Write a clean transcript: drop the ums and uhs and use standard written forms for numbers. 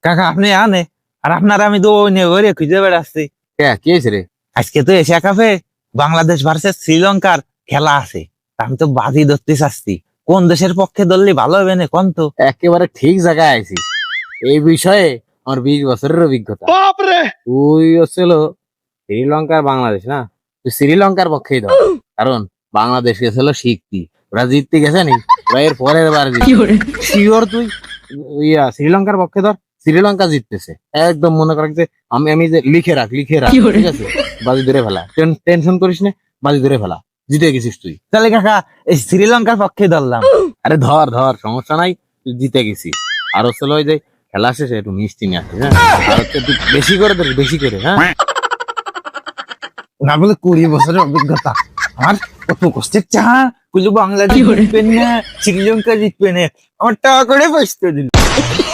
কাকা আপনি আনে আর আপনার আমি তো ঘরে খুঁজে বেড়াচ্ছি। কি হয়েছে রে? আজকে তো এশিয়া কাপে বাংলাদেশ ভার্সেস শ্রীলঙ্কার খেলা আছে, তা আমি তো বাজি ধরতে চাচ্ছি কোন দেশের পক্ষে ধরলে ভালো হবে না কোন তো। একেবারে ঠিক জায়গায় আইছিস। এই বিষয়ে আমার 20 বছরের অভিজ্ঞতা। তুই হচ্ছিল শ্রীলঙ্কার বাংলাদেশ না, তুই শ্রীলঙ্কার পক্ষেই ধর, কারণ বাংলাদেশ গেছিল শিখতি, ওরা জিততে গেছে নি, ওরা এর পরের বার শিওর তুই শ্রীলঙ্কার পক্ষে ধর, শ্রীলঙ্কা জিততেছে একদম, মনে কর যে আমি আমি যে লিখে রাখ ঠিক আছে, বাজি ধরে ফেলা, টেনশন করিস না, বাজি ধরে ফেলা, জিতে গেছিস তুই। তাহলে কাকা এই শ্রীলঙ্কার পক্ষে ধরলাম। আরে ধর ধর, সমস্যা নাই, তুই জিতে গেছিস। আর হচ্ছে ওই যে খেলা শেষে একটু মিষ্টি নিয়ে আসিস, হ্যাঁ, আর হচ্ছে তুই বেশি করে ধরিস, বেশি করে, হ্যাঁ। না বলে 20 বছরের অভিজ্ঞতা আমার, কত কষ্টের চা কুলু বাংলাদেশ জিতবে না শ্রীলঙ্কা জিতবে না, আমার টাকা করে পয়সা দিল।